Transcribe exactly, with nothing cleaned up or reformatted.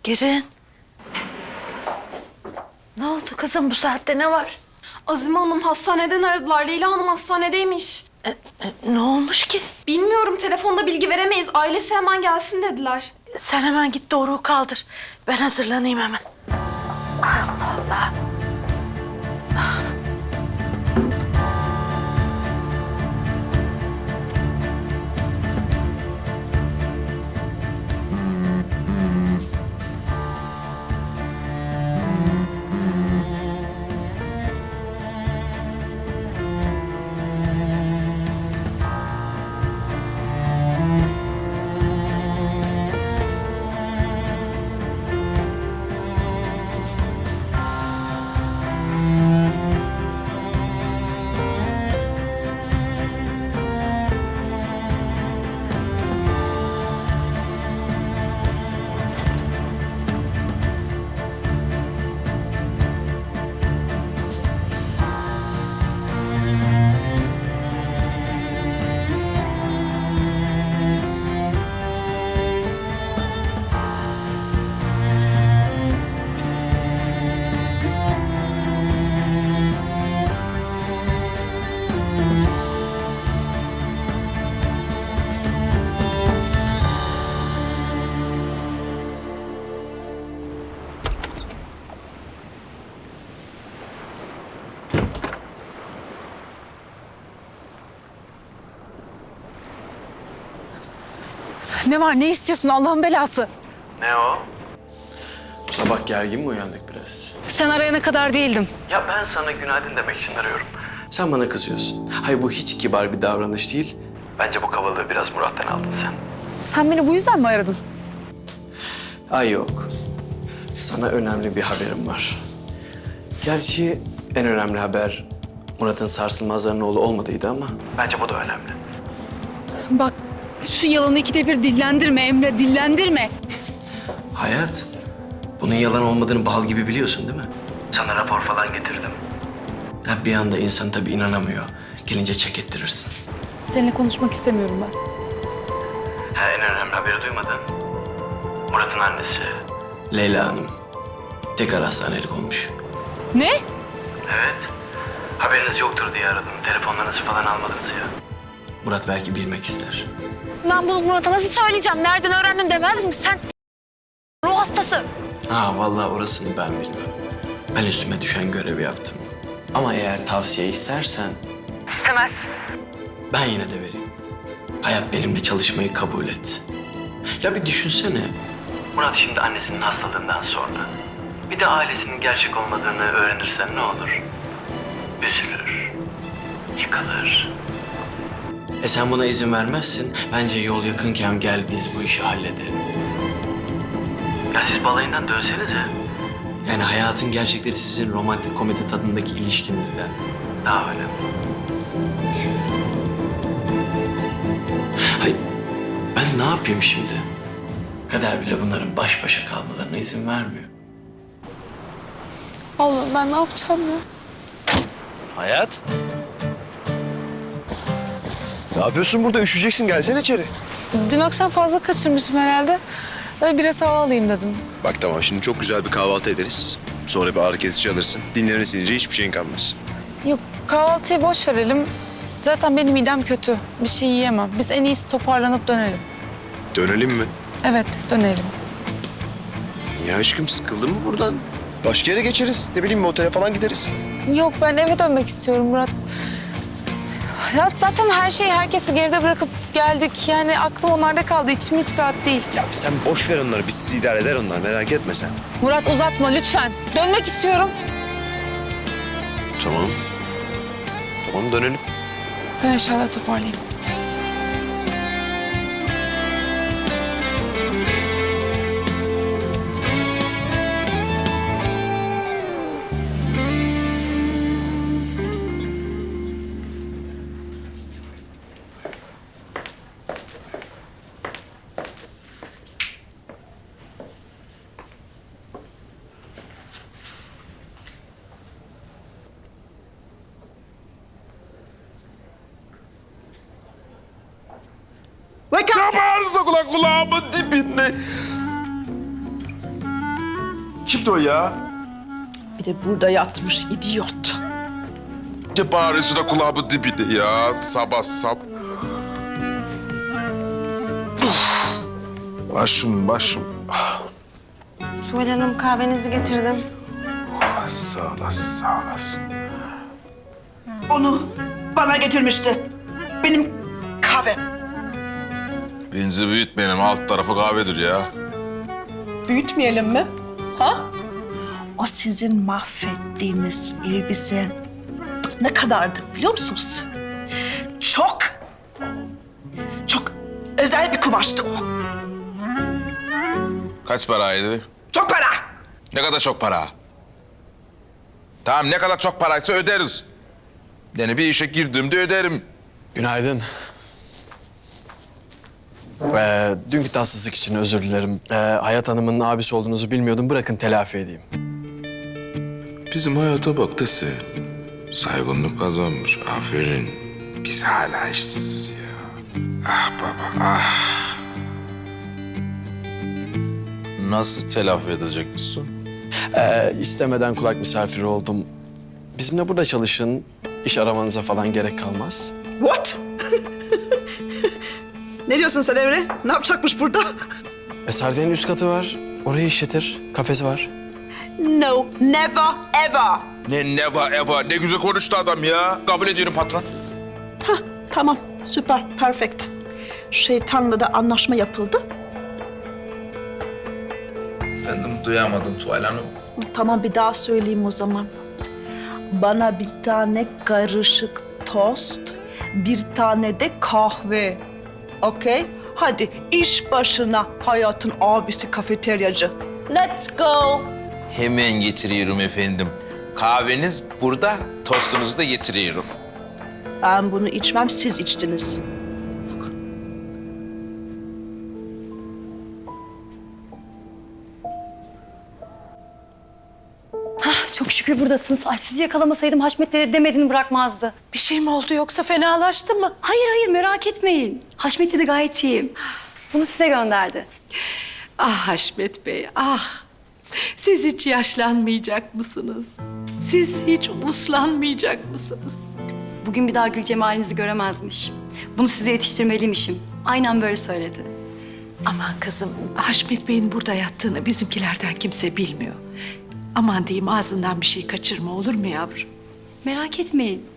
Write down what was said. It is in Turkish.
Girin. Ne oldu kızım, bu saatte ne var? Azime Hanım hastaneden aradılar. Leyla Hanım hastanedeymiş. E, e, ne olmuş ki? Bilmiyorum, telefonda bilgi veremeyiz. Ailesi hemen gelsin dediler. Sen hemen git Doruk'u kaldır. Ben hazırlanayım hemen. Allah Allah. Ne var, ne istiyorsun Allah'ın belası? Ne o? Bu sabah gergin mi uyandık biraz? Sen arayana kadar değildim. Ya ben sana günaydın demek için arıyorum. Sen bana kızıyorsun. Hayır, bu hiç kibar bir davranış değil. Bence bu kabalığı biraz Murat'tan aldın sen. Sen beni bu yüzden mi aradın? Ay yok. Sana önemli bir haberim var. Gerçi en önemli haber Murat'ın sarsılmazların oğlu olmadıydı ama bence bu da önemli. Bak, şu yalanı ikide bir dillendirme Emre, dillendirme. Hayat, bunun yalan olmadığını bal gibi biliyorsun değil mi? Sana rapor falan getirdim. Ha, bir anda insan tabii inanamıyor. Gelince çek ettirirsin. Seninle konuşmak istemiyorum ben. Ha, en önemli haberi duymadın. Murat'ın annesi Leyla Hanım tekrar hastanelik olmuş. Ne? Evet. Haberiniz yoktur diye aradım. Telefonlarınızı falan almadınız ya. Murat belki bilmek ister. Ben bunu Murat'a nasıl söyleyeceğim? Nereden öğrendin demez mi? Sen ruh hastası. Ha vallahi orasını ben bilmem. Ben üstüme düşen görevi yaptım. Ama eğer tavsiye istersen... İstemez. Ben yine de vereyim. Hayat, benimle çalışmayı kabul et. Ya bir düşünsene. Murat şimdi annesinin hastalığından sonra bir de ailesinin gerçek olmadığını öğrenirsen ne olur? Üzülür, yıkılır. E sen buna izin vermezsin. Bence yol yakınken gel biz bu işi halledelim. Ya siz balayından dönsenize. Yani hayatın gerçekleri sizin romantik komedi tadındaki ilişkinizden daha önemli. Hayır, ben ne yapayım şimdi? Kader bile bunların baş başa kalmalarına izin vermiyor. Allah'ım ben ne yapacağım ya? Hayat. Ne yapıyorsun burada? Üşüyeceksin. Gelsene içeri. Dün akşam fazla kaçırmışım herhalde. Böyle biraz hava alayım dedim. Bak tamam, şimdi çok güzel bir kahvaltı ederiz. Sonra bir ağrı kesici alırsın. Dinlenirsin, hiçbir şeyin kalmaz. Yok, kahvaltıyı boş verelim. Zaten benim midem kötü. Bir şey yiyemem. Biz en iyisi toparlanıp dönelim. Dönelim mi? Evet, dönelim. Niye aşkım, sıkıldın mı buradan? Başka yere geçeriz. Ne bileyim, bir otele falan gideriz. Yok, ben eve dönmek istiyorum Murat. Ya zaten her şeyi, herkesi geride bırakıp geldik. Yani aklım onlarda kaldı. İçim hiç rahat değil. Ya sen boş ver onları. Biz sizi idare eder onlar. Merak etme sen. Murat uzatma lütfen. Dönmek istiyorum. Tamam. Tamam, dönelim. Ben eşyaları toparlayayım. Kabardı da kulak kulağımın dibinde. işte o ya. Bir de burada yatmış idiot. De bağırısı da kulağımın dibinde ya. Sabah sab. Uf. Başım başım. Tuval Hanım kahvenizi getirdim. Ah, sağ olasın sağ olasın. Onu bana getirmişti. Benim kahvem. Benzi büyütmeyelim, alt tarafı kahvedir ya. Büyütmeyelim mi? Ha? O sizin mahvettiğiniz elbise ne kadardı biliyor musunuz? Çok, çok özel bir kumaştı o. Kaç paraydı? Çok para. Ne kadar çok para? Tamam, ne kadar çok paraysa öderiz. Yani bir işe girdiğimde öderim. Günaydın. Ee, dünkü tatsızlık için özür dilerim. Ee, Hayat Hanım'ın abisi olduğunuzu bilmiyordum. Bırakın telafi edeyim. Bizim hayata bak dese. Saygınlık kazanmış, aferin. Biz hala işsiziz ya. Ah baba, ah. Nasıl telafi edeceksin? Ee, istemeden kulak misafiri oldum. Bizimle burada çalışın. İş aramanıza falan gerek kalmaz. What? Ne diyorsun sen Emre? Ne yapacakmış burada? E, Sardinya'nın üst katı var. Orayı işletir. Kafesi var. No, never, ever. Ne never ever, ne güzel konuştu adam ya. Kabul ediyorum patron. Hah, tamam, süper, perfect. Şeytanla da anlaşma yapıldı. Efendim duyamadım Tuval Hanım. Tamam, bir daha söyleyeyim o zaman. Bana bir tane karışık tost, bir tane de kahve. Okey? Hadi iş başına Hayat'ın abisi kafeteryacı. Let's go. Hemen getiriyorum efendim. Kahveniz burada, tostunuzu da getiriyorum. Ben bunu içmem, siz içtiniz. Çok şükür buradasınız. Ay sizi yakalamasaydım Haşmet dede demediğini bırakmazdı. Bir şey mi oldu yoksa fenalaştı mı? Hayır hayır merak etmeyin. Haşmet dede gayet iyiyim. Bunu size gönderdi. Ah Haşmet Bey, ah! Siz hiç yaşlanmayacak mısınız? Siz hiç uslanmayacak mısınız? Bugün bir daha gül cemalinizi göremezmiş. Bunu size yetiştirmeliymişim. Aynen böyle söyledi. Aman kızım, Haşmet Bey'in burada yattığını bizimkilerden kimse bilmiyor. Aman diyeyim ağzından bir şey kaçırma olur mu yavrum? Merak etmeyin.